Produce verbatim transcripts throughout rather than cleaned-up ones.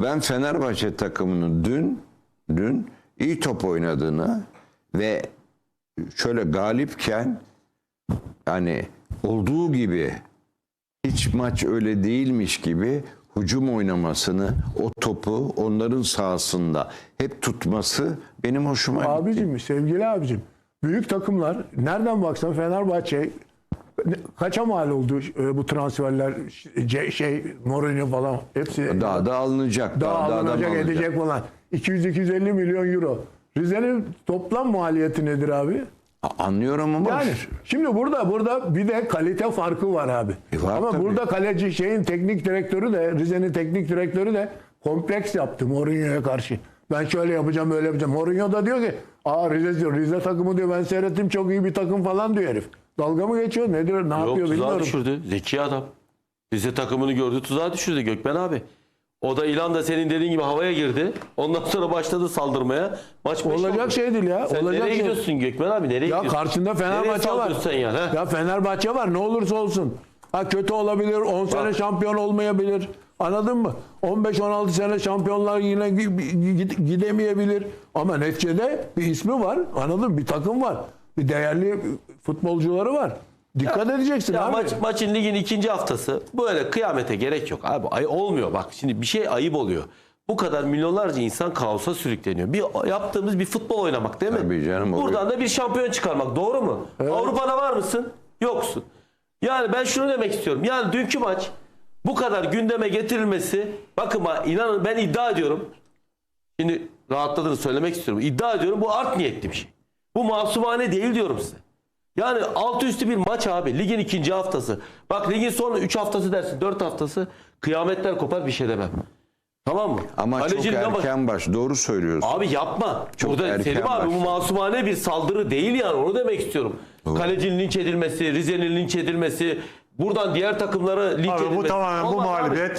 ben Fenerbahçe takımının dün dün iyi top oynadığını ve şöyle galipken yani olduğu gibi hiç maç öyle değilmiş gibi hücum oynamasını, o topu onların sahasında hep tutması benim hoşuma gitti. Abicim, sevgili abicim, büyük takımlar nereden baksan Fenerbahçe kaça mal oldu bu transferler, şey Mourinho falan hepsi Daha da alınacak. daha, Daha, daha alınacak da edecek falan. iki yüz iki yüz elli milyon euro. Rize'nin toplam maliyeti nedir abi? Anlıyorum ama Yani şimdi burada burada bir de kalite farkı var abi. E var ama tabii. burada kaleci şeyin teknik direktörü de Rize'nin teknik direktörü de kompleks yaptı Mourinho'ya karşı. Ben şöyle yapacağım, öyle yapacağım. Mourinho da diyor ki, "Aa Rize diyor, Rize takımı diyor ben seyrettim çok iyi bir takım falan" diyor herif. Dalga mı geçiyor? Ne diyor? Ne Yok, yapıyor tuzağa bilmiyorum. düşürdü. Zeki adam. Rize takımını gördü, tuzağa düşürdü Gökmen abi. O da ilan da senin dediğin gibi havaya girdi. Ondan sonra başladı saldırmaya. Maç beş Olacak oldu. şey değil ya. Sen Olacak nereye şey. gidiyorsun Gökmen abi? Nereye Ya gidiyorsun? karşında Nereye Fenerbahçe var. saldırıyorsun sen ya? he? Ya Fenerbahçe var ne olursa olsun. Ha kötü olabilir, on sene Bak. şampiyon olmayabilir. Anladın mı? on beş on altı sene şampiyonlar yine gi- gidemeyebilir. Ama neticede bir ismi var. Anladın mı? Bir takım var. Bir değerli futbolcuları var. Dikkat Ya- edeceksin Ya abi. maç, maçın ligin ikinci haftası böyle kıyamete gerek yok abi. Ay olmuyor bak şimdi bir şey ayıp oluyor. Bu kadar milyonlarca insan kaosa sürükleniyor. Bir yaptığımız bir futbol oynamak değil mi? Tabii canım, oluyor. Buradan da bir şampiyon çıkarmak doğru mu? Avrupa'da var mısın? Yoksun. Yani ben şunu demek istiyorum. Yani dünkü maç bu kadar gündeme getirilmesi bakın bak inanın ben iddia ediyorum. Şimdi rahatladığını söylemek istiyorum. İddia ediyorum bu art niyetli bir şey. Bu masumane değil diyorum size. Yani altı üstü bir maç abi. Ligin ikinci haftası. Bak ligin son üç haftası dersin. dört haftası kıyametler kopar bir şey demem. Tamam mı? ama çok Kalecinin ama- erken baş. Doğru söylüyorsun. Abi yapma. Çok Burada erken Selim abi bu başladı. masumane bir saldırı değil yani onu demek istiyorum. Kalecinin linç edilmesi, Rize'nin linç edilmesi, buradan diğer takımlara linç Abi edilmesi. bu tamamen bu Olmaz abi. mağlubiyet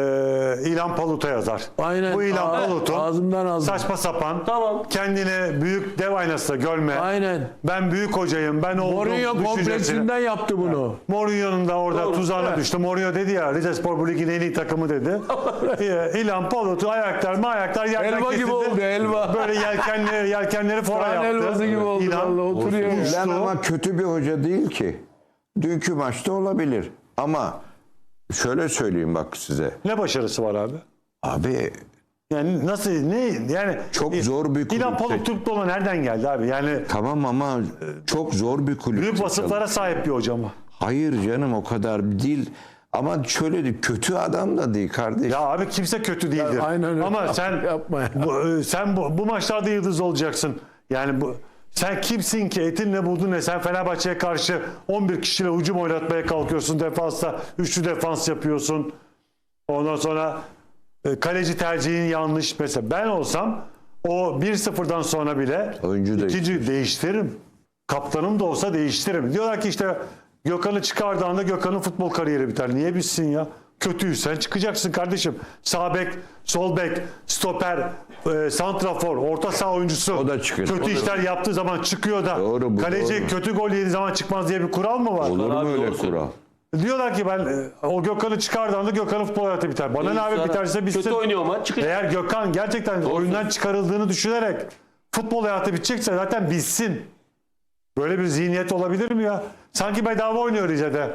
e, İlhan Palut'a yazar. Aynen. Bu İlhan Aa, Palut'un ağzımdan aldım. saçma sapan Tamam. kendini büyük dev aynasında görme. Aynen. Ben büyük hocayım. Ben oldum Mourinho düşüncesine. kompleksinden yaptı bunu. Mourinho'nun da orada Doğru, tuzağına evet. düştü. Mourinho dedi ya Rizespor bu ligin en iyi takımı dedi. Ee, İlhan Palut'u ayaklar mı ayaklar yerden Elma gibi kesildi. oldu, elma. Böyle yelkenleri, yelkenleri fora Kan yaptı. elması gibi oldu. İlhan Vallahi oturuyor. uçtu. Ben ama kötü bir hoca değil ki. Dünkü maçta olabilir. Ama şöyle söyleyeyim bak size. Ne başarısı var abi? Abi Yani nasıl ne yani Çok zor bir İlhan kulüp. Palut Türk Dolu nereden geldi abi? Yani tamam ama çok zor bir kulüp. büyük vasıflara sahip bir hoca mı? Hayır canım o kadar değil. Ama şöyle de kötü adam da değil kardeş. Ya abi kimse kötü değildir. aynen öyle. Ama sen Yapma ya. bu, e, sen bu, bu maçlarda yıldız olacaksın. Yani bu sen kimsin ki etin ne buldun ne? Sen Fenerbahçe'ye karşı on bir kişiyle hücum oynatmaya kalkıyorsun. Defansta üçlü defans yapıyorsun. Ondan sonra e, kaleci tercihin yanlış. Mesela ben olsam o bir sıfırdan sonra bile Oyuncu ikinci değiştiririm. Kaptanım da olsa değiştiririm. Diyorlar ki işte Gökhan'ı çıkardığında Gökhan'ın futbol kariyeri biter. Niye bitsin ya? Kötüysen çıkacaksın kardeşim. Sağ bek, sol bek, stoper, e, santrafor, orta saha oyuncusu. O da çıkıyor. Kötü O da- işler yaptığı zaman çıkıyor da. Doğru, bu kaleci doğru. kötü gol yediği zaman çıkmaz diye bir kural mı var? Olur mu Abi, öyle doğru kural? söylüyorsun. Diyorlar ki ben e, o Gökhan'ı çıkardığında Gökhan'ın futbol hayatı biter. Bana ne abi Sonra biterse bitsin. Kötü oynuyor maç çıkacak. Eğer Gökhan gerçekten oyundan çıkarıldığını düşünerek futbol hayatı bitecekse zaten bitsin. Böyle bir zihniyet olabilir mi ya? Sanki bedava oynuyor Rize'de.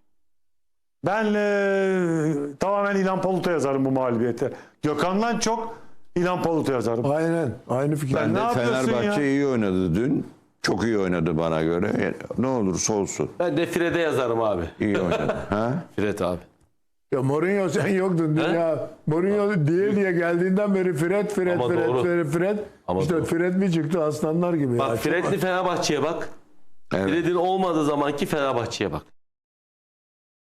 Ben e, tamamen İlhan Palut'a yazarım bu mağlubiyete. Gökhan'dan çok İlhan Palut'a yazarım. Aynen. Aynı fikir. Ben ne de yapıyorsun Fenerbahçe ya? iyi oynadı dün. Çok iyi oynadı bana göre. Yani ne olursa olsun. Ben de Fred'e yazarım abi. İyi oynadı. ha? Fred abi. Ya Mourinho sen yoktun dün He? ya. Mourinho diye diye geldiğinden beri Fred, Fred, Ama Fred, doğru. Fred, Fred. Ama işte doğru. Fred mi çıktı aslanlar gibi. Bak ya. Fred'li Fenerbahçe'ye bak. Evet. Fred'in olmadığı zamanki Fenerbahçe'ye bak.